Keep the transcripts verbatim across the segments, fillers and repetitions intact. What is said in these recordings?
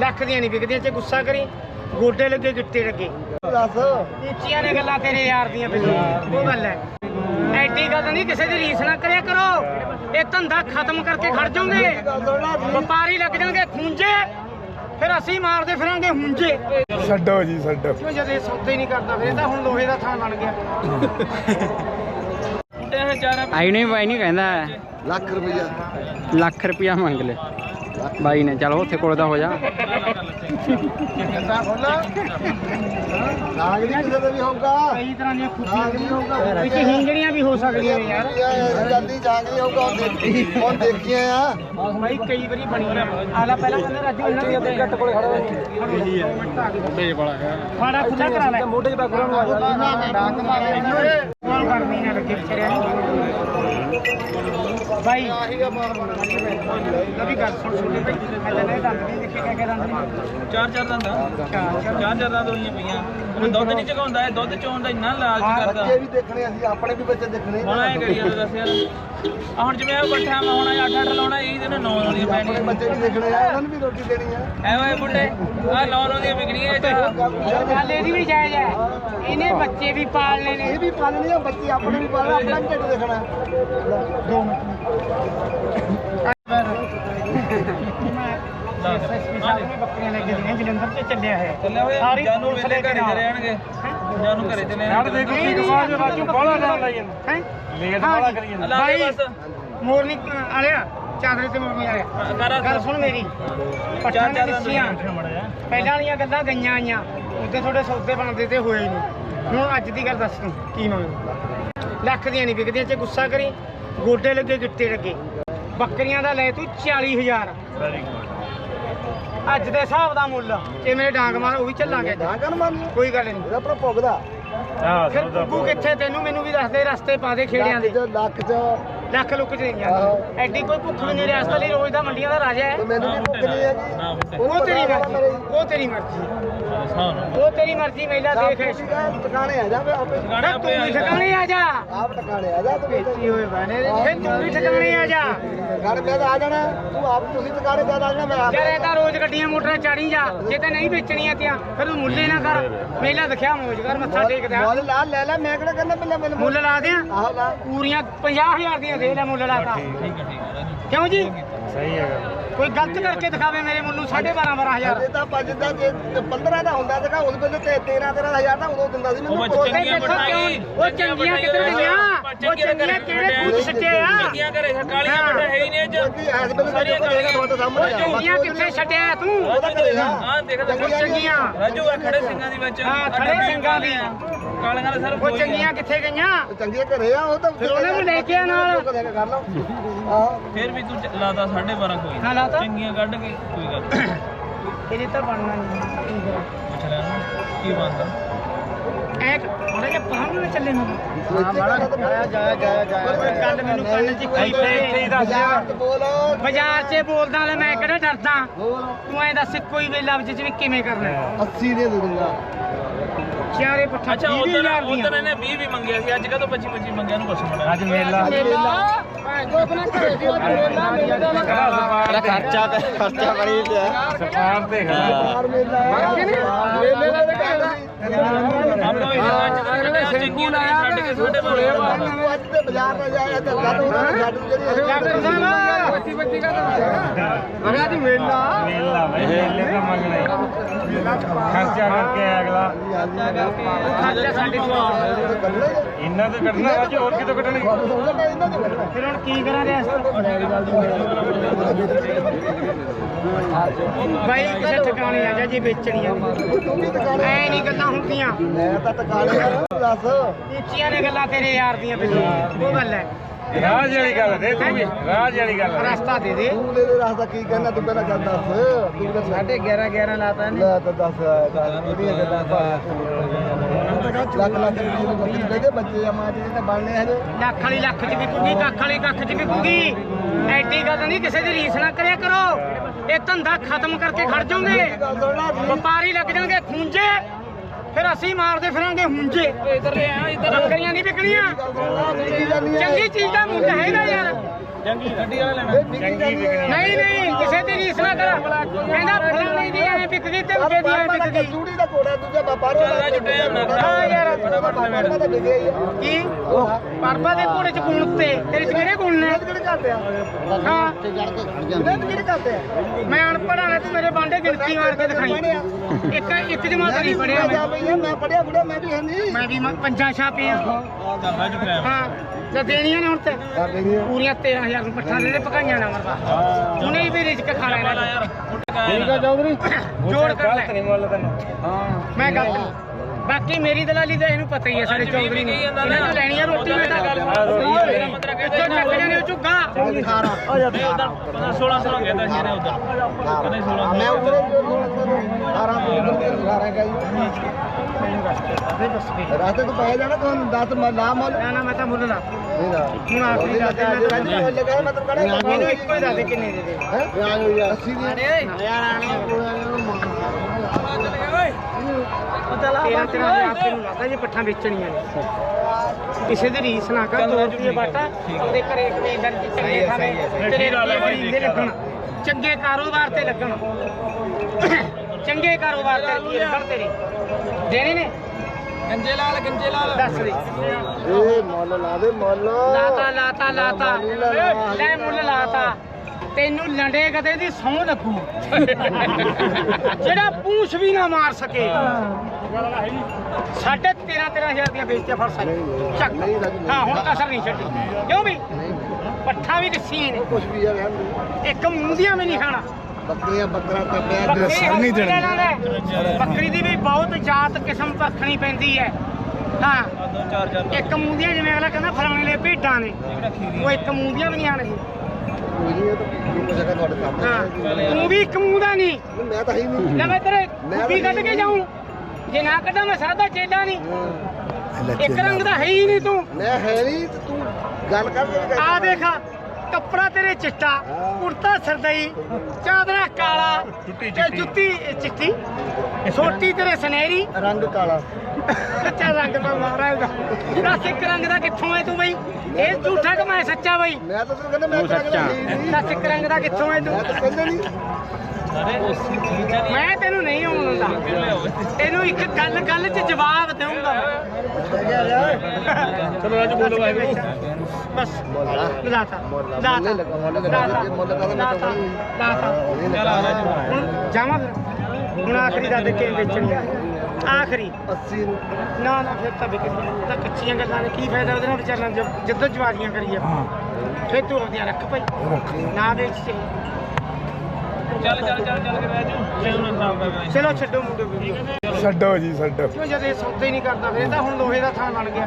ਲੱਖ ਦੀਆਂ ਨਹੀਂ ਵਿਕਦੀਆਂ ਚ ਗੁੱਸਾ ਕਰੀ ਗੋਡੇ ਲੱਗੇ ਗਿੱਟੇ ਲੱਗੇ ਦੱਸ ਉੱਚੀਆਂ ਨੇ ਗੱਲਾਂ ਤੇਰੇ ਯਾਰ ਦੀਆਂ ਬਿਲਕੁਲ ਉਹ ਗੱਲ ਹੈ ਐਡੀ ਗੱਲ ਨਹੀਂ ਕਿਸੇ ਦੀ ਰੀਸ ਨਾ ਕਰਿਆ ਕਰੋ ਇਹ ਧੰਦਾ ਖਤਮ ਕਰਕੇ ਖੜ ਜਾਓਗੇ ਵਪਾਰੀ ਲੱਗ ਜਾਣਗੇ ਖੂੰਜੇ ਫਿਰ ਅਸੀਂ ਮਾਰਦੇ ਫਿਰਾਂਗੇ ਹੁੰਜੇ ਛੱਡੋ ਜੀ ਛੱਡੋ ਕਿਉਂ ਜਦ ਇਹ ਸੌਦੇ ਹੀ ਨਹੀਂ ਕਰਦਾ ਫਿਰ ਇਹ ਤਾਂ ਹੁਣ ਲੋਹੇ ਦਾ ਥਾਂ ਬਣ ਗਿਆ ਆਈ ਨਹੀਂ ਬਾਈ ਨਹੀਂ ਕਹਿੰਦਾ ਲੱਖ ਰੁਪਇਆ ਲੱਖ ਰੁਪਇਆ ਮੰਗ ਲੈ ਬਾਈ ਨੇ ਚਲੋ ਉੱਥੇ ਕੋਲ ਦਾ ਹੋ ਜਾ ਨਾਗ ਨਹੀਂ ਕਿਸੇ ਦਾ ਵੀ ਹੋਊਗਾ ਕਈ ਤਰ੍ਹਾਂ ਦੀਆਂ ਨਾਗ ਨਹੀਂ ਹੋਊਗਾ ਵਿੱਚ ਹਿੰਗੜੀਆਂ ਵੀ ਹੋ ਸਕਦੀਆਂ ਨੇ ਯਾਰ ਜਲਦੀ ਜਾਗ ਨਹੀਂ ਹੋਊਗਾ ਹੁਣ ਦੇਖੀ ਹੁਣ ਦੇਖੀਏ ਆ ਬਾਈ ਕਈ ਵਾਰੀ ਬਣੀ ਆਲਾ ਪਹਿਲਾਂ ਕਹਿੰਦਾ ਰਾਜੂ ਇਹਨਾਂ ਦੇ ਘੱਟ ਕੋਲੇ ਖੜਾ ਇਹੀ ਹੈ ਮੋਢੇ ਵਾਲਾ ਹੈ ਫਾੜਾ ਖੁੱਲਾ ਕਰਾ ਲੈ ਮੋਢੇ ਤੇ ਬੈਕਗ੍ਰਾਉਂਡ ਨੂੰ ਡਾਕ ਮਾਰੇ ਕੋਲ ਕਰਨੀ ਨਾ ਲੱਗੇ ਵਿਚਾਰਿਆ ਬਾਈ ਕਦੀ ਗੱਲ ਸੁਣ ਸੁਣ ਭਾਈ ਮੈਂ ਤਾਂ ਇਹ ਦੰਦ ਨਹੀਂ ਦੇਖੇ ਕਹਿ ਕੇ ਦੰਦ ਨਹੀਂ ਚਾਰ ਚਾਰ ਦੰਦਾਂ ਚਾਰ ਚਾਰ ਦੰਦਾਂ ਹੋਈਆਂ ਪਈਆਂ ਉਹ ਦੁੱਧ ਨਹੀਂ ਚਗਾਉਂਦਾ ਇਹ ਦੁੱਧ ਚੋਣ ਦਾ ਇੰਨਾ ਲਾਲਚ ਕਰਦਾ ਬੱਚੇ ਵੀ ਦੇਖਣੇ ਅਸੀਂ ਆਪਣੇ ਵੀ ਬੱਚੇ ਦੇਖਣੇ ਹੁਣ ਐ ਕਰੀ ਜਾਂਦਾ ਦੱਸ ਯਾਰ ਆ ਹੁਣ ਜਿਵੇਂ ਇਹ ਬੱਠਾ ਮੈਂ ਹੁਣ ਅੱਠ ਅੱਠ ਲਾਉਣਾ ਇਹ ਦਿਨ ਨੌ ਨੌ ਦੀਆਂ ਆਪਣੇ ਪੈਣੀਆਂ ਬੱਚੇ ਵੀ ਦੇਖਣੇ ਆ ਉਹਨਾਂ ਨੂੰ ਵੀ ਰੋਟੀ ਦੇਣੀ ਆ ਐ ਓਏ ਬੁੱਢੇ ਆ ਨੌ ਨੌ ਦੀਆਂ ਵਿਕਣੀਆਂ ਇਹ ਚ ਗੱਲ ਇਹਦੀ ਵੀ ਜਾਇਜ਼ ਹੈ ਇਹਨੇ ਬੱਚੇ ਵੀ ਪਾਲਣੇ ਨੇ ਇਹ ਵੀ ਪਾਲਣੇ ਆ ਬੱਚੇ ਆਪਣੇ ਵੀ ਪਾਲਣਾ ਆਪਣਾ ਵੀ ਢਿੱਡ ਦੇਖਣਾ ਦੋ ਮਿੰਟ ਬੱਕਰੀਆਂ ਲੈ ਕੇ ਦੀਆਂ ਜਲੰਧਰ ਚ ਚੱਲਿਆ ਹੈ ਚੱਲਿਆ ਹੋਇਆ ਜਾਨੂ ਵੇਲੇ ਘਰੇ ਚਲੇ ਆਣਗੇ ਜਾਨੂ ਘਰੇ ਚਲੇ ਆਣਗੇ ਰਾਜੂ ਬਾਹਲਾ ਟਾਈਮ ਲਾਈ ਜਾਂਦਾ ਹੈ ਲੇਟ ਬਾਹਲਾ ਕਰੀ ਜਾਂਦਾ ਬਾਈ ਬਸ ਮੋਰਨੀ ਆਲਿਆ ਚਾਦਰੇ ਤੇ ਮੋਰਨੀ ਆਲਿਆ ਗੱਲ ਸੁਣ ਮੇਰੀ ਪੱਠਾਂ ਦੀਆਂ ਦਿੱਸੀਆਂ ਪਹਿਲਾਂ ਵਾਲੀਆਂ ਗੱਲਾਂ ਗਈਆਂ ਆਈਆਂ ਉੱਤੇ ਤੁਹਾਡੇ ਸੌਦੇ ਬਣਦੇ ਤੇ ਹੋਏ ਨਹੀਂ ਹੁਣ ਅੱਜ ਦੀ ਗੱਲ ਦੱਸ ਤੂੰ ਕੀ ਮੰਗਦਾ ਲੱਖ ਦੀਆਂ ਨਹੀਂ ਵਿਕਦੀਆਂ ਚ ਗੁੱਸਾ ਕਰੀ ਗੋਡੇ ਲੱਗੇ ਗਿੱਟੇ ਲੱਗੇ ਬੱਕਰੀਆਂ ਦਾ ਲੈ ਤੂੰ ਚਾਲੀ ਹਜ਼ਾਰ ਅੱਜ ਦੇ ਹਿਸਾਬ ਦਾ ਮੁੱਲ ਜੇ ਮੇਰੇ ਡਾਂਗ ਮਾਰ ਉਹ ਵੀ ਚੱਲਾਂਗੇ ਡਾਂਗਨ ਮੰਨ ਕੋਈ ਗੱਲ ਨਹੀਂ ਇਹਦਾ ਆਪਣਾ ਭੁਗਦਾ ਫਿਰ ਬੱਬੂ ਕਿੱਥੇ ਤੈਨੂੰ ਮੈਨੂੰ ਵੀ ਦੱਸ ਦੇ ਰਸਤੇ ਪਾ ਦੇ ਖੇੜਿਆਂ ਦੇ ਲੱਖ ਚ ਲੱਖ ਲੁੱਕ ਚ ਨਹੀਂ ਜਾਂਦਾ ਐਡੀ ਕੋਈ ਭੁੱਖ ਵੀ ਨਹੀਂ ਰਿਆਸਤ ਲਈ ਰੋਜ਼ ਦਾ ਮੰਡੀਆਂ ਦਾ ਰਾਜਾ ਹੈ ਤੇ ਮੈਨੂੰ ਵੀ ਭੁੱਖ ਨਹੀਂ ਹੈਗੀ ਉਹ ਤੇਰੀ ਮਰਜ਼ੀ ਉਹ ਤੇਰੀ ਮਰਜ਼ੀ ਉਹ ਤੇਰੀ ਮਰਜ਼ੀ ਮੇਲਾ ਦੇਖ ਟਿਕਾਣੇ ਆ ਜਾ ਆਪੇ ਤੂੰ ਵੀ ਠਿਕਾਣੇ ਆ ਜਾ ਆਪ ਟਿਕਾਣੇ ਆ ਜਾ ਤੂੰ ਵੇਚੀ ਹੋਏ ਬਾਨੇ ਫਿਰ ਤੂੰ ਵੀ ਠਿਕਾਣੇ ਆ ਜਾ ਘਰ ਮੈਂ ਆ ਜਾਣਾ ਤੂੰ ਆਪ ਤੁਸੀਂ ਟਿਕਾਣੇ ਤੇ ਆ ਜਾਣਾ ਮੈਂ ਆਪ ਯਾਰ ਇਹ ਤਾਂ ਰੋਜ਼ ਗੱਡੀਆਂ ਮੋਟਰਾਂ ਚਾੜੀ ਜਾ ਜੇ ਤੇ ਨਹੀਂ ਵੇਚਣੀਆਂ ਤੀਆਂ ਫਿਰ ਤੂੰ ਮੁੱਲੇ ਨਾ ਕਰ ਮੇਲਾ ਦਿਖਿਆ ਮੋਜ ਕਰ ਮੱਥਾ ਟੇਕਦਾ ਮੁੱਲ ਲਾ ਲੈ ਲੈ ਮੈਂ ਕਿਹੜਾ ਕਹਿੰਦਾ ਪਹਿਲਾਂ ਮੈਨੂੰ ਮੁੱਲ ਲਾ ਦਿਆਂ ਆਹੋ ਲਾ ਪੂਰੀਆਂ ਪੰਜਾਹ ਹਜ਼ਾਰ ਦੀਆਂ ਦੇ ਲੈ ਮੁੱਲ ਲਾਤਾ ਠੀਕ ਹੈ ਠੀਕ ਹੈ ਕਿਉਂ ਜੀ ਸਹੀ ਹੈਗਾ ਕੋਈ ਗਲਤ ਕਰਕੇ ਦਿਖਾਵੇ ਮੇਰੇ ਮੁੱਲ ਸਾਢੇ ਬਾਰਾਂ ਬਾਰਾਂ ਹਜ਼ਾਰ ਇਹ ਤਾਂ ਪੰਜ ਦਾ ਜੇ ਪੰਦਰਾਂ ਦਾ ਹੁੰਦਾ ਸੀਗਾ ਉਸ ਵੇਲੇ ਤੇ ਤੇਰਾਂ ਤੇਰਾਂ ਹਜ਼ਾਰ ਦਾ ਉਦੋਂ ਦਿੰਦਾ ਸੀ ਉਹ ਮੈਨੂੰ ਬੱਚੇ ਨਹੀਂ ਦੇਖੋ ਕਿਉਂ ਉਹ ਚੰਗੀਆਂ ਕਿੱਧਰ ਗਈਆਂ ਉਹ ਚੰਗੀਆਂ ਕਿਹੜੇ ਖੂਜ ਸੱਚੇ ਆ ਚੰਗੀਆਂ ਘਰੇ ਕਾਲੀਆਂ ਬੱਟਾ ਹੈ ਹੀ ਨਹੀਂ ਇਹ ਕਿਉਂਕਿ ਇਸ ਵੇਲੇ ਤਾਂ ਦੇਖੋ ਦੇਗਾ ਤੁਹਾਡੇ ਸਾਹਮਣੇ ਆ। ਚੰਗੀਆਂ ਕਿੱਥੇ ਛੱਡਿਆ ਤੂੰ ਉਹਦਾ ਕਰੇਗਾ ਹਾਂ ਦੇਖ ਉਹ ਚੰਗੀਆਂ ਰਾਜੂ ਆ ਖੜੇ ਸਿੰਘਾਂ ਦੀ ਵਿੱਚ ਹਾਂ ਖੜੇ ਸਿੰਘਾਂ ਦੀ ਕਾਲੀਆਂ ਦਾ ਸਰ ਉਹ ਚੰਗੀਆਂ ਕਿੱਥੇ ਗਈਆਂ ਚੰਗੇ ਘਰੇ ਆ ਉਹ ਤਾਂ ਫਿਰ ਉਹਨਾਂ ਨੂੰ ਲੈ ਕੇ ਆ ਨਾਲ ਕਰ ਲਓ ਆਹ ਫਿਰ ਵੀ ਤੂੰ ਚ- ਲਾਤਾ ਸਾਢੇ ਬਾਰਾਂ ਕੋਈ ਹਾਂ ਲਾਤਾ ਚੰਗੀਆਂ ਕੱਢ ਕੇ ਕੋਈ ਗੱਲ ਨੀ। ਇਹਦੇ ਤਾਂ ਬਣਨਾ ਨਹੀਂ ਪੁੱਛ ਲੈ ਉਹਨੂੰ, ਕੀ ਬਣਦਾ ਐ ਉਹਨੇ ਕਿ ਪਹਾੜ ਨੂੰ ਚੱਲੇ ਨੂੰ ਜਾਇਆ ਜਾਇਆ ਜਾਇਆ ਜਾਇਆ ਗੱਲ ਮੈਨੂੰ ਕੰਨ 'ਚ ਕੋਈ ਇੱਥੇ ਹੀ ਦੱਸ ਯਾਰ ਬੋਲ ਬਾਜ਼ਾਰ 'ਚ ਬੋਲਦਾ ਲੈ ਮੈਂ ਕਿਹੜਾ ਡਰਦਾ ਤੂੰ ਐ ਦੱਸ ਕੋਈ ਵੀ ਲਫ਼ਜ਼ 'ਚ ਵੀ ਕਿਵੇਂ ਕਰਨਾ ਅੱਸੀ ਦੇ ਦੇ ਦੂੰਗਾ ਚਾਰੇ ਪੱਠਾ ਅੱਛਾ ਵੀਹ ਉਧਰ ਹਜ਼ਾਰ ਦੀਆਂ ਉਧਰ ਇਹਨੇ ਵੀਹ ਵੀ ਮੰਗਿਆ ਸੀ ਅੱਜ ਕਦੋਂ ਪੱਚੀ ਪੱਚੀ ਮੰਗਿਆ ਨੂੰ ਪੁੱਛ ਮੜਾ ਅੱਜ ਮੇਲਾ ਜੋ ਆਪਣਾ ਘਰੇ ਦੀ ਮੇਲਾ ਮੇਲਾ ਦਾ ਤੇਰਾ ਖਰਚਾ ਤੇ ਖਰਚਾ ਬੜੀ ਪਿਆ ਸਫਾਰ ਤੇ ਖੜਾ ਮੇਲਾ ਮੇਲੇ ਦਾ ਤਾਂ ਕਹਿੰਦਾ ਆਪਾਂ ਇਸ ਅੱਜ ਕੱਲ੍ਹ ਚੰਗੀਆਂ ਦਾ ਛੱਡ ਕੇ ਸਾਡੇ ਬਾਰੇ ਅੱਜ ਤੇ ਬਾਜ਼ਾਰ ਨਾ ਜਾਇਆ ਤੇ ਗੱਲ ਉਹਨਾਂ ਨੂੰ ਛੱਡ ਜਿਹੜੀ ਡਾਕਟਰ ਸਾਹਿਬ ਬੱਤੀ ਬੱਤੀ ਦਾ ਅਰੇ ਅੱਜ ਮੇਲਾ ਮੇਲਾ ਮੇਲੇ ਦਾ ਮੰਗਣਾ ਹੀ ਖਰਚਾ ਕਰਕੇ ਅਗਲਾ ਖਰਚਾ ਸਾਡੇ ਕੋਲ ਇਹਨਾਂ ਤੇ ਕੱਢਣਾ ਅੱਜ ਹੋਰ ਕਿਤੋਂ ਕੱਢਣਗੇ ਫਿਰ ਹੁਣ ਕੀ ਕਰਾਂ ਰਿਆਸਤ ਬਾਈ ਕਿਸੇ ਠਿਕਾਣੇ ਆ ਜਾ ਜੇ ਵੇਚਣੀਆਂ ਐ ਨਹੀਂ ਗੱਲਾਂ ਹੁੰਦੀਆਂ ਮੈਂ ਤਾਂ ਟਿਕਾਣੇ ਆ ਦੱਸ ਉੱਚੀਆਂ ਨੇ ਗੱਲਾਂ ਤੇਰੇ ਯਾਰ ਦੀਆਂ ਬਿਲਕੁਲ ਉਹ ਗੱਲ ਹੈ ਰਾਜ ਵਾਲੀ ਗੱਲ ਦੇ ਤੂੰ ਵੀ ਰਾਜ ਵਾਲੀ ਗੱਲ ਰਸਤਾ ਦੇ ਦੇ ਤੂੰ ਲੈ ਲੈ ਰਸਤਾ ਕੀ ਕਹਿਣਾ ਤੂੰ ਪਹਿਲਾਂ ਗੱਲ ਦੱਸ ਤੂੰ ਤਾਂ ਸਾਢੇ ਗਿਆਰਾਂ ਗਿਆਰਾਂ ਲਾਤਾ ਨੇ ਲੈ ਤਾਂ ਦੱਸ ਇਹਦੀਆਂ ਗੱਲਾਂ ਲੱਖ ਲੱਖ ਰੁਪਏ ਨੂੰ ਬੱਕਰੀ ਦੇ ਦੇ ਬੱਚੇ ਆ ਮਾਂ ਜੀ ਤੇ ਬਣਨੇ ਹਜੇ ਲੱਖ ਵਾਲੀ ਲੱਖ ਚ ਵਿਕੂਗੀ ਕੱਖ ਵਾਲੀ ਕੱਖ ਚ ਵਿਕੂਗੀ ਐਡੀ ਗੱਲ ਨਹੀਂ ਕਿਸੇ ਦੀ ਰੀਸ ਨਾ ਕਰਿਆ ਕਰੋ ਇਹ ਧੰਦਾ ਖਤਮ ਕਰਕੇ ਖੜ ਜਾਓਗੇ ਵਪਾਰੀ ਲੱਗ ਜਾਣਗੇ ਖੂੰਜੇ ਫਿਰ ਅਸੀਂ ਮਾਰਦੇ ਫਿਰਾਂਗੇ ਹੁੰਜੇ ਇੱਧਰ ਲੈ ਆ ਇੱਧਰ ਬੱਕਰੀਆਂ ਨਹੀਂ ਵਿਕਣੀਆਂ ਚੰਗੀ ਚੀਜ਼ ਦਾ ਮੁੱਲ ਹੈਗਾ ਯਾਰ ਚੰਗੀ ਗੱਡੀ ਵਾਲਾ ਲੈਣਾ ਨਹੀਂ ਨਹੀਂ ਕਿਸੇ ਦੀ ਰੀਸ ਨਾ ਕਰ ਕਹਿੰਦਾ ਫਲਾਣੇ ਦੀ ਐ ਵਿਕ ਗਈ ਤੇ ਉਹਦੇ ਦੀ ਐ ਵਿਕ ਗਈ ਚੂੜੀ ਦਾ ਕੋੜਾ ਦੂਜਾ ਬਾਪਾਰੋ ਚੱਲ ਰਾਜੂ ਟਾਈਮ ਨਾ ਹਾਂ ਯਾਰ ਬਾਪਾਰੋ ਦਾ ਵਿਗਿਆ ਹੀ ਆ ਕੀ ਪਰਬਾ ਦੇ ਘੋੜੇ ਚ ਗੁਣ ਤੇ ਤੇਰੇ ਚ ਕਿਹੜੇ ਗੁਣ ਨੇ ਕਿਹੜੇ ਕਰਦੇ ਆ ਹਾਂ ਤੇ ਜੜ ਕੇ ਖੜ ਜਾਂਦੇ ਨੇ ਕਿਹੜੇ ਕਰਦੇ ਆ ਮੈਂ ਅਨਪੜ੍ਹ ਆ ਤੂੰ ਮੇਰੇ ਬਾਂਡੇ ਗਿਣਤੀ ਮਾਰ ਕੇ ਦਿਖਾਈ ਇੱਕ ਇੱਕ ਜਮਾਤ ਨਹੀਂ ਪੜਿਆ ਮੈਂ ਮੈਂ ਪੜਿਆ ਬੁੜਿਆ ਮੈਂ ਵੀ ਹੈ ਨਹੀਂ ਮੈਂ ਵੀ ਮ- ਪੰਜਾਂ ਛਾਪੀਆਂ ਚੱਲ ਰਾਜੂ ਟਾਈਮ ਹਾਂ ਤੇ ਦੇਣੀਆਂ ਨੇ ਹੁਣ ਤੇ ਕਰ ਦੇਣੀ ਆ ਪੂਰੀਆਂ ਤੇਰਾਂ ਹਜ਼ਾਰ ਨੂੰ ਪੱਠਾ ਦੇ ਦੇ ਪਕਾਈਆਂ ਨਾ ਮਰਵਾ ਉਹਨੇ ਵੀ ਰਿਜਕ ਖਾ ਲੈਣਾ ਯਾਰ ਠੀਕ ਆ ਚੌਧਰੀ ਜੋੜ ਕਰ ਲੈ ਨਹੀਂ ਮੁੱਲ ਤੈਨੂੰ ਹਾਂ ਮੈਂ ਗਲਤ ਨਹੀਂ ਬਾਕੀ ਮੇਰੀ ਦਲਾਲੀ ਦਾ ਇਹਨੂੰ ਪਤਾ ਹੀ ਹੈ ਸਾਡੇ ਚੌਧਰੀ ਨੂੰ ਇਹਨਾਂ ਤੋਂ ਲੈਣੀ ਆ ਰੋਟੀ ਮੈਂ ਤਾਂ ਮੇਰਾ ਮਤਲਬ ਕਿ ਇੱਥੋਂ ਚੱਕ ਜਾਣੇ ਉਹ ਝੁੱਗਾ ਅਠਾਰਾਂ ਨਹੀਂ ਉਧਰ ਸੋਲਾਂ ਸੌ ਕਹਿੰਦਾ ਸੀ ਇਹਨੇ ਉਧਰ ਕਹਿੰਦੇ ਸੋਲਾਂ ਮੈਂ ਉਧਰ ਅਠਾਰਾਂ ਤੋਂ ਉਧਰ ਅਠਾਰਾਂ ਕਾ ਰਾਤੇ ਤੋਂ ਪੈ ਜਾਣਾ ਤੁਹਾਨੂੰ ਦਸ ਨਾ ਮੁੱਲ ਨਾ ਨਾ ਮੈਂ ਤਾਂ ਮੁੱਲ ਲਾ ਨਹੀਂ ਨਾ ਹੁਣ ਆਖਰੀ ਦੱਸ ਦੇ ਮੈਂ ਤਾਂ ਮੁੱਲ ਲਗਾ ਮੈਂ ਤੈਨੂੰ ਕਹਣਾ ਇਹਨੂੰ ਇੱਕੋ ਹੀ ਦੱਸ ਦੇ ਕਿੰਨੇ ਦੇ ਦੇ ਹੈ ਵਿਆਹ ਹੋ ਗਿਆ ਅੱਸੀ ਦੀ ਯਾਰ ਆਣੇ ਤੇਰਾਂ ਤੇਰਾਂ ਹਜ਼ਾਰ ਰੁਪਏ ਨੂੰ ਲੱਗਦਾ ਜੇ ਪੱਠਾਂ ਵੇਚਣੀਆਂ ਨੇ ਕਿਸੇ ਦੀ ਰੀਸ ਨਾ ਕਰ ਦੋ ਰੁਪਏ ਬਾਟਾ ਉਹਦੇ ਘਰੇ ਕਮੇਂਦਰ ਚ ਚੰਗੇ ਖਾਣੇ ਤੇਰੇ ਰੁਪਏ ਦੇ ਲੱਗਣ ਚੰਗੇ ਕਾਰੋਬਾਰ ਤੇ ਲੱਗਣ ਚੰਗੇ ਕਾਰੋਬਾਰ ਤੇ ਰੁਪਏ ਲੱਗਣ ਤੇਰੇ ਦੇਣੇ ਨੇ ਗੰਜੇ ਲਾਲ ਗੰਜੇ ਲਾਲ ਦੱਸ ਦੇ ਇਹ ਮੁੱਲ ਲਾ ਦੇ ਮੁੱਲ ਲਾਤਾ ਲਾਤਾ ਲਾਤਾ ਲੈ ਮੁੱਲ ਲਾਤਾ ਤੈਨੂੰ ਲੰਡੇ ਕਦੇ ਦੀ ਸਹੁੰ ਲੱਗੂ ਜਿਹੜਾ ਪੂਛ ਵੀ ਨਾ ਮਾਰ ਸਕੇ ਸਾਢੇ ਤੇਰਾਂ ਤੇਰਾਂ ਹਜ਼ਾਰ ਦੀਆਂ ਵੇਚਦੇ ਫੜ ਸਕਦੇ ਚੱਕ ਹਾਂ ਹੁਣ ਕਸਰ ਨਹੀਂ ਛੱਡੀ ਕਿਉਂ ਵੀ ਪੱਠਾ ਵੀ ਦੱਸੀਆਂ ਨੇ ਕੁਛ ਵੀ ਆ ਰਹਿਣ ਇੱਕ ਮੂੰਹ ਦੀਆਂ ਵੀ ਨਹੀਂ ਖਾਣਾ ਬੱਕਰੀਆਂ ਬੱਕਰਾ ਤੱਬਿਆ ਬੱਕਰੀ ਬੱਕਰੀ ਦੀ ਵੀ ਬਹੁਤ ਜਾਤ ਕਿਸਮ ਪਰਖਣੀ ਪੈਂਦੀ ਹੈ ਹਾਂ ਦੋ ਚਾਰ ਚਾਰ ਇੱਕ ਮੂੰਹ ਦੀਆਂ ਜਿਵੇਂ ਅਗਲਾ ਕਹਿੰਦਾ ਫਲਾਣੇ ਲਈ ਭੇਡਾਂ ਨੇ ਉਹ ਇੱਕ ਮੂੰਹ ਦੀਆਂ ਵੀ ਨਹੀਂ ਆਣਗੇ ਕੋਈ ਨਹੀਂ ਇਹ ਤਾਂ ਕੀ ਜਗ੍ਹਾ ਤੁਹਾਡੇ ਸਾਹਮਣੇ ਹਾਂ ਤੂੰ ਵੀ ਇੱਕ ਮੂੰਹ ਦਾ ਨਹੀਂ ਮੈਂ ਤਾਂ ਹੈ ਹੀ ਨਹੀਂ ਲੈ ਮੈਂ ਤੇਰੇ ਕੁੱਪੀ ਕੱਢ ਕੇ ਜਾਊਂ ਜੇ ਨਾ ਕੱਢਾਂ ਮੈਂ ਸਾਦਾ ਚੇਲਾ ਨਹੀਂ ਇੱਕ ਰੰਗ ਦਾ ਹੈ ਹੀ ਨਹੀਂ ਤੂੰ ਮੈਂ ਹੈ ਨਹੀਂ ਤੇ ਤੂੰ ਗੱਲ ਕਰ ਆ ਦੇਖਾ ਕੱਪੜਾ ਤੇਰੇ ਚਿੱਟਾ ਕੁੜਤਾ ਸਰਦਈ ਚਾਦਰਾ ਕਾਲਾ ਤੇ ਜੁੱਤੀ ਚਿੱਟੀ ਛੋਟੀ ਤੇਰੇ ਸੁਨਹਿਰੀ ਰੰਗ ਕਾਲਾ ਕੱਚਾ ਰੰਗ ਦਾ ਮਾਰਾ ਇਹਦਾ ਦੱਸ ਇੱਕ ਰੰਗ ਦਾ ਕਿੱਥੋਂ ਹੈ ਤੂੰ ਬਈ ਇਹ ਝੂਠਾ ਕਿ ਮੈਂ ਸੱਚਾ ਬਈ ਮੈਂ ਤਾਂ ਤੈਨੂੰ ਕਹਿੰਦਾ ਮੈਂ ਤਾਂ ਸੱਚਾ। ਦੱਸ ਇੱਕ ਰੰਗ ਦਾ ਕਿੱਥੋਂ ਹੈ ਤੂੰ ਮੈਂ ਤਾਂ ਕਹਿੰਦਾ ਨਹੀਂ ਮੈਂ ਤੈਨੂੰ ਨਹੀਂ ਆਉਣ ਦਿੰਦਾ ਤੈਨੂੰ ਇੱਕ ਗੱਲ ਗੱਲ 'ਚ ਜਵਾਬ ਦੇਵਾਂਗਾ ਚਲੋ ਰਾਜੂ ਬੋਲੋ ਵਾਹਿਗੁਰੂ ਬਸ ਲਾਤਾ ਲਾਤਾ ਲਾਤਾ ਲਾਤਾ ਚੱਲ ਆ ਰਾਜੂ ਹੁਣ ਜਾਵਾਂ ਫਿਰ ਹੁਣ ਆਖਰੀ ਦਾ ਦੇ ਕੇ ਵੇਚਣੀ ਆ। ਆਖਰੀ ਅੱਸੀ ਨੂੰ ਨਾ ਨਾ ਫਿਰ ਤਾਂ ਵਿਕ ਤਾਂ ਕੱਚੀਆਂ ਗੱਲਾਂ ਨੇ ਕੀ ਫਾਇਦਾ ਉਹਦੇ ਨਾਲ ਵਿਚਾਰਨਾ ਜਦੋਂ ਜਵਾਰੀਆਂ ਕਰੀਏ ਫਿਰ ਤੂੰ ਆਪਦੀਆਂ ਰੱਖ ਭਾਈ ਨਾ ਵੇਚ ਤੇ ਚੱਲ ਚੱਲ ਚੱਲ ਚੱਲ ਕੇ ਰਾਜੂ ਚਲੋ ਨਾ ਖਰਾਬ ਕਰ ਚਲੋ ਛੱਡੋ ਮੁੰਡੇ ਵੀਡੀਓ ਛੱਡੋ ਜੀ ਛੱਡੋ ਕਿਉਂ ਜਦ ਇਹ ਸੌਦਾ ਹੀ ਨਹੀਂ ਕਰਦਾ ਫਿਰ ਤਾਂ ਹੁਣ ਲੋਹੇ ਦਾ ਥਾਂ ਬਣ ਗਿਆ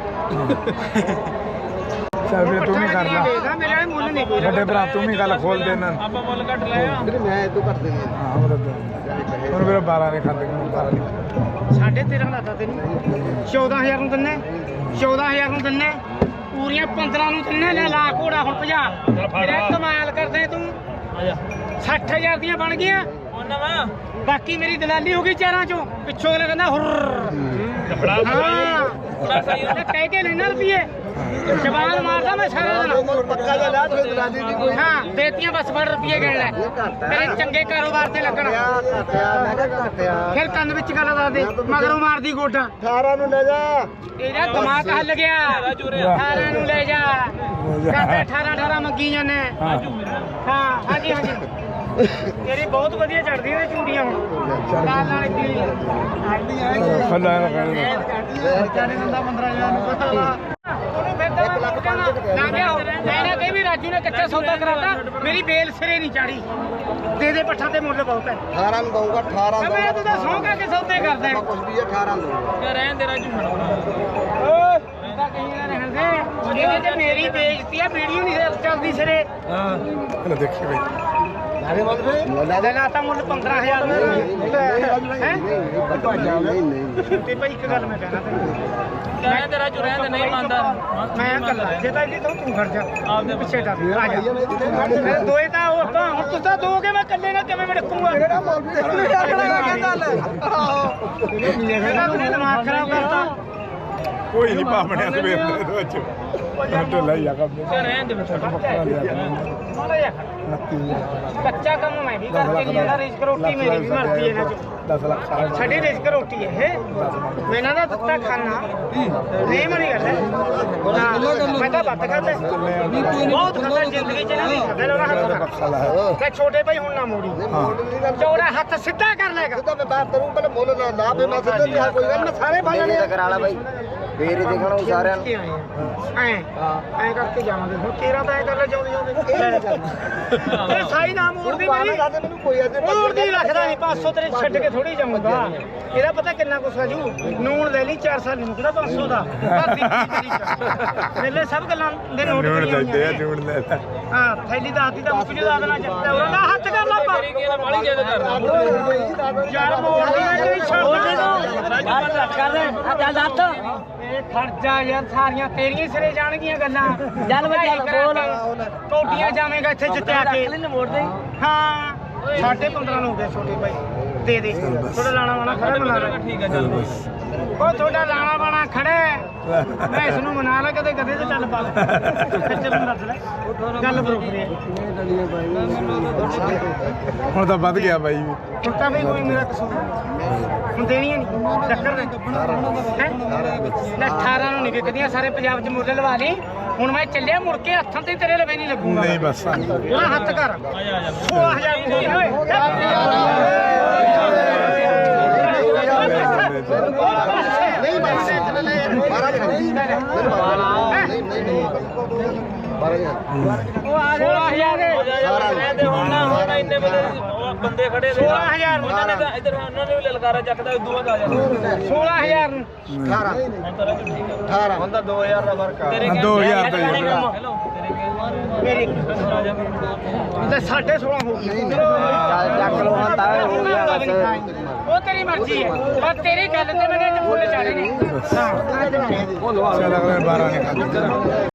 ਚੱਲ ਫਿਰ ਤੂੰ ਵੀ ਕਰ ਲੈ ਵੇਚਦਾ ਮੇਰੇ ਵਾਲੇ ਮੁੱਲ ਨਹੀਂ ਕੋਈ ਵੱਡੇ ਭਰਾ ਤੂੰ ਵੀ ਗੱਲ ਖੋਲ ਦੇ ਇਹਨਾਂ ਨੂੰ। ਆਪਾਂ ਮੁੱਲ ਘੱਟ ਲਏ ਆ ਵੀਰੇ ਮੈਂ ਇਦੋਂ ਕਰ ਦੇਣੀ ਹਾਂ ਉਹ ਤਾਂ ਹੁਣ ਮੇਰਾ ਬਾਰਾਂ ਨੇ ਖਾਂਦੇ ਮੈਨੂੰ ਬਾਰਾਂ ਨਹੀਂ ਸਾਢੇ ਤੇਰਾਂ ਲਾਤਾ ਤੈਨੂੰ ਚੌਦਾਂ ਹਜ਼ਾਰ ਨੂੰ ਦਿੰਨੇ ਚੌਦਾਂ ਹਜ਼ਾਰ ਨੂੰ ਦਿੰਨੇ ਪੂਰੀਆਂ ਪੰਦਰਾਂ ਨੂੰ ਦਿੰਨੇ ਲੈ ਲਾ ਘੋੜਾ ਹੁਣ ਭਜਾ ਮੇਰੇ ਕਮਾਲ ਕਰਦੇ ਤੂੰ ਸੱਠ ਹਜ਼ਾਰ ਦੀਆਂ ਬਣ ਗਈਆਂ ਹੁਣ ਨਵਾਂ ਬਾਕੀ ਮੇਰੀ ਦਲਾਲੀ ਹੋ ਗਈ ਚਾਰਾਂ ਚੋਂ ਪਿੱਛੋਂ ਅਗਲਾ ਕਹਿੰਦਾ ਹੁਰ ਹਾਂ ਉਹਨੇ ਕਹਿ ਕੇ ਲੈਣਾ ਰੁਪਈਏ ਜਵਾਨ ਮਾਰਦਾ ਮੈਂ ਸਾਰਾ ਦਿਨ ਪੱਕਾ ਦਾ ਲਾ ਤੂੰ ਦਲਾਲੀ ਦੀ ਕੋਈ ਹਾਂ ਦੇਤੀਆਂ ਬਸ ਫੜ ਰੁਪਈਏ ਗਿਣ ਲੈ ਤੇਰੇ ਚੰਗੇ ਕਾਰੋਬਾਰ ਤੇ ਲੱਗਣਾ ਘਟਿਆ ਮੈਂ ਕਿਹਾ ਘਟਿਆ ਫਿਰ ਕੰਨ ਵਿੱਚ ਗੱਲ ਦੱਸ ਦੇ ਮਗਰੋਂ ਮਾਰਦੀ ਗੋਡਾ ਅਠਾਰਾਂ ਨੂੰ ਲੈ ਜਾ ਇਹਦਾ ਦਿਮਾਗ ਹੱਲ ਗਿਆ ਅਠਾਰਾਂ ਨੂੰ ਲੈ ਜਾ ਕਹਿੰਦੇ ਅਠਾਰਾਂ ਅਠਾਰਾਂ ਮੰਗੀ ਜਾਂਦੇ ਹਾਂ ਹਾਂਜੀ ਹਾਂਜੀ ਤੇਰੀ ਬਹੁਤ ਵਧੀਆ ਚੜਦੀ ਨੇ ਚੂੜੀਆਂ ਹੁਣ ਲਾਲ ਨਾਲ ਕੀ ਫੱਲਾ ਨਾ ਕਹਿਣਾ ਚਾਰੇ ਦਿੰਦਾ ਪੰਦਰਾਂ ਹਜ਼ਾਰ ਨੂੰ ਪਤਾ ਵਾ ਉਹਨੂੰ ਫਿਰ ਤਾਂ ਮੈਂ ਕਹਿੰਦਾ ਨਾ ਗਿਆ ਮੈਂ ਨਾ ਕਹੀ ਵੀ ਰਾਜੂ ਨੇ ਕੱਚਾ ਸੌਦਾ ਕਰਾਤਾ ਮੇਰੀ ਬੇਲ ਸਿਰੇ ਨਹੀਂ ਚਾੜੀ ਦੇ ਦੇ ਪੱਠਾ ਤੇ ਮੁੱਲ ਬਹੁਤ ਹੈ ਅਠਾਰਾਂ ਨੂੰ ਦਊਗਾ ਅਠਾਰਾਂ ਮੈਂ ਦਊਗਾ ਤੂੰ ਤਾਂ ਸੌਂ ਕਾ ਕੇ ਸੌਦੇ ਕਰਦਾ ਹੈ। ਕੁਝ ਵੀ ਅਠਾਰਾਂ ਦਊਗਾ ਯਾਰ ਰਹਿਣ ਦੇ ਰਾਜੂ ਛੱਡਣਾ ਓਏ ਇਹਦਾ ਕਹੀਂ ਨਾ ਰਹਿਣ ਦੇ ਇਹਦੇ ਤੇ ਮੇਰੀ ਬੇਇੱਜ਼ਤੀ ਆ ਵੀਡੀਓ ਨਹੀਂ ਚੱਲਦੀ ਸਿਰੇ ਹਾਂ ਲੈ ਦੇਖੀ ਬਈ ਨਾਲੇ ਮੁੱਲ ਫੇ ਲੈ ਲਾਤਾ ਮੁੱਲ ਪੰਦਰਾਂ ਹਜ਼ਾਰ ਦਾ ਹੈ ਨਹੀਂ ਨਹੀਂ ਤੇ ਭਾਈ ਇੱਕ ਗੱਲ ਮੈਂ ਕਹਿਣਾ ਤੈਨੂੰ ਰਹਿਣ ਦੇ ਰਾਜੂ ਰਹਿਣ ਦੇ ਨਹੀਂ ਮੰਨਦਾ ਮੈਂ ਕੱਲਾ ਜੇ ਤਾਂ ਇਹਦੀ ਤੋਂ ਤੂੰ ਖੜ ਜਾ ਆਪਦੇ ਪਿੱਛੇ ਦਾ ਆ ਜਾ ਮੈਂ ਦੋਏ ਤਾਂ ਉਹ ਤਾਂ ਹੁਣ ਤੁਸੀਂ ਤਾਂ ਦੋਗੇ ਮੈਂ ਇਕੱਲੇ ਨਾਲ ਕਿਵੇਂ ਮੜਕੂਗਾ ਕਿਹੜਾ ਮੁੱਲ ਵੀ ਕਹਿੰਦਾ ਲੈ ਇਹਦਾ ਆਪਣੇ ਦਿਮਾਗ ਖਰਾਬ ਕਰਤਾ ਕੋਈ ਨਹੀਂ ਪਾਪਣਿਆ ਸਵੇਰ ਦੇ ਵਿੱਚ ਢੋਲਾ ਹੀ ਆ ਕੰਮ ਚੱਲ ਰਹਿਣ ਦੇ ਫਿਰ ਬੱਕਰਾ ਲਿਆ ਕਰਾਂਗੇ ਮਾੜਾ ਜਿਹਾ ਨੱਤੀ ਕੱਚਾ ਕੰਮ ਮੈਂ ਵੀ ਕਰਕੇ ਨਹੀਂ ਜਾਂਦਾ ਰਿਸਕ ਰੋਟੀ ਮੇਰੀ ਵੀ ਮਰਦੀ ਇਹਨਾਂ ਚ ਦਸ ਲੱਖ ਸਾਰਾ ਸਾਡੀ ਰਿਸਕ ਰੋਟੀ ਹੈ ਇਹ ਮੈਂ ਇਹਨਾਂ ਦਾ ਦਿੱਤਾ ਖਾਣਾ ਨਹੀਂ ਮਣੀ ਗੱਲ ਹੈ ਨਾ, ਮੈਂ ਤਾਂ ਵੱਧ ਖਾਂਦਾ ਬਹੁਤ ਖਾਂਦਾ ਜ਼ਿੰਦਗੀ ਚ ਇਹਨਾਂ ਦੀ ਖਾਂਦਾ ਲੋਰਾ ਹੱਥ ਬਖਸ਼ਾਲਾ ਹੈ ਤੇ ਛੋਟੇ ਭਾਈ ਹੁਣ ਨਾ ਮੋੜੀ ਚੌੜਾ ਹੱਥ ਸਿੱਧਾ ਕਰ ਲੈਗਾ ਸਿੱਧਾ ਮੈਂ ਬਾਤ ਕਰੂੰ ਪਹਿਲੇ ਮੁੱਲ ਨਾ ਲਾ ਫੇ ਮੈਂ ਸਿੱਧਾ ਨਹੀਂ ਕੋਈ ਗੱਲ ਮੈਂ ਸਾਰੇ ਬਾਣੇ ਨੇ ਕਰਾ ਲਾ ਬਾਈ ਫੇਰ ਹੀ ਦੇਖਣਾ ਸਾਰਿਆਂ ਨੂੰ ਐ ਐ ਕਰਕੇ ਜਾਵਾਂਗੇ ਹੁਣ ਤੇਰਾ ਤਾਂ ਐ ਕਰ ਲੈ ਜਾਉਂਦੇ ਜਾਉਂਦੇ ਇਹ ਸਾਈ ਨਾ ਮੋੜਦੀ ਮੇਰੀ ਮੈਨੂੰ ਕੋਈ ਅੱਜ ਮੋੜਦੀ ਰੱਖਦਾ ਨਹੀਂ ਪੰਜ ਸੌ ਤੇਰੇ ਛੱਡ ਕੇ ਥੋੜੀ ਜਾਊਂਗਾ ਇਹਦਾ ਪਤਾ ਕਿੰਨਾ ਕੁਛ ਆ ਜੂ ਨੂਣ ਲੈ ਲਈ ਚਾਰ ਸਾਲ ਨੂੰ ਕਿਹੜਾ ਪੰਜ ਸੌ ਦਾ ਘਰ ਦੀ ਚੀਜ਼ ਚ। ਮੇਰੇ ਸਭ ਗੱਲਾਂ ਦੇ ਨੋਟ ਜੂੜ ਕਰੀਆਂ ਲੈਂਦੇ ਆ ਹੋਈਆਂ ਜੂੜ ਲੈ ਲੈ। ਹਾਂ ਥੈਲੀ ਦਾ ਹੱਥੀ ਦਾ ਮੁੱਕ ਜੂ ਦਾ ਦੇਣਾ ਚੱਲਦਾ ਉਹਨਾਂ ਦਾ ਹੱਥ ਕਰ ਲਾ ਪਾ ਤੇਰੀ ਕੀ ਬਾਲੀ ਜਿਆਦਾ ਕਰਦਾ ਯਾਰ ਮੋੜਦੀ ਨਾ ਜਿਹੜੀ ਛੱਡ ਰਾਜੂ ਕਰ ਇਹ ਖਰਚਾ ਯਾਰ ਸਾਰੀਆਂ ਤੇਰੀਆਂ ਸਿਰੇ ਜਾਣਗੀਆਂ ਗੱਲਾਂ ਚੱਲ ਬਈ ਚੱਲ ਬੋਲ। ਟੋਟੀਆਂ ਜਾਵੇਂਗਾ ਇੱਥੇ ਜਿੱਤਿਆ ਕੇ ਮੋੜ ਦੇ ਹਾਂ ਸਾਢੇ ਪੰਦਰਾਂ ਨੂੰ ਹੋ ਗਏ ਛੋਟੇ ਭਾਈ ਦੇ ਦੇ ਥੋੜਾ ਲਾਣਾ ਵਾਣਾ ਖੜਾ ਬਣਾ ਲੈ ਠੀਕ ਹੈ ਚੱਲ ਬਸ ਉਹ ਤੁਹਾਡਾ ਲਾਣਾ ਬਾਣਾ ਖੜਾ ਹੈ। ਮੈਂ ਇਸ ਨੂੰ ਮਨਾ ਲਾ ਕਦੇ ਕਦੇ ਤੇ ਚੱਲ ਪਾ ਲੈ ਚੱਲ ਨੂੰ ਦੱਸ ਲੈ ਗੱਲ ਬਰੋਬਰ ਹੈ ਹੁਣ ਤਾਂ ਵੱਧ ਗਿਆ ਬਾਈ ਹੁਣ ਤਾਂ ਵੀ ਕੋਈ ਮੇਰਾ ਕਸੂਰ ਨਹੀਂ ਹੁਣ ਦੇਣੀਆਂ ਨਹੀਂ ਟੱਕਰ ਨੇ ਹੈ ਲੈ ਅਠਾਰਾਂ ਨੂੰ ਨਹੀਂ ਵਿਕਦੀਆਂ ਸਾਰੇ ਪੰਜਾਬ 'ਚ ਮੁੱਲ ਲਵਾ ਲਈ ਹੁਣ ਮੈਂ ਚੱਲਿਆ ਮੁੜ ਕੇ ਹੱਥਾਂ ਤੇ ਤੇਰੇ ਲਵੇ ਨਹੀਂ ਲੱਗੂਗਾ ਨਹੀਂ ਬਸ ਉਹਨਾਂ ਹੱਥ ਕਰ ਸੋਲਾਂ ਹਜ਼ਾਰ ਨੂੰ ਹੋ ਗਿਆ ਨਹੀਂ ਬਾਈ ਬਾਰਾਂ ਨਹੀਂ ਨਹੀਂ ਨਹੀਂ ਬਾਰਾਂ ਉਹ ਆ ਸੋਲਾਂ ਹਜ਼ਾਰ ਦੇ ਦੇ ਹੁਣ ਨਾ ਹੁਣ ਇੰਨੇ ਬੰਦੇ ਉਹ ਬੰਦੇ ਖੜੇ ਨੇ ਸੋਲਾਂ ਹਜ਼ਾਰ ਨੂੰ ਉਹਨਾਂ ਨੇ ਤਾਂ ਇੱਧਰ ਉਹਨਾਂ ਨੇ ਵੀ ਲਲਕਾਰਾ ਚੱਕਦਾ ਉਦੋਂ ਬਾਅਦ ਆ ਜਾਂਦਾ ਸੋਲਾਂ ਹਜ਼ਾਰ ਨੂੰ ਅਠਾਰਾਂ ਹੁਣ ਤਾਂ ਰਾਜੂ ਠੀਕ ਹੈ ਅਠਾਰਾਂ ਹੁਣ ਤਾਂ ਦੋ ਹਜ਼ਾਰ ਦਾ ਫਰਕ ਆ ਤੇਰੇ ਹਾਂ, ਦੋ ਹਜ਼ਾਰ ਦਾ ਹੀ ਹੈ ਭਰਾ। ਹੈਲੋ ਤੇਰੇ ਕੀ ਮੇਰੀ ਰਾਜਾ ਤੇ ਸਾਢੇ ਸੋਲਾਂ ਹੋ ਗਈ ਚੱਕ ਲਓ ਹਾਂ ਤਾਂ ਹੋ ਗਿਆ ਉਹ ਤੇਰੀ ਮਰਜ਼ੀ ਹੈ ਪਰ ਤੇਰੀ ਗੱਲ ਤੇ ਮੈਨੇ ਫੁੱਲ ਚਾੜੇ ਨੇ ਹਾਂ ਚੱਲ ਅਗਲੇ ਬਾਰਾਂ ਨੇ ਕਰ ਦਿੱਤਾ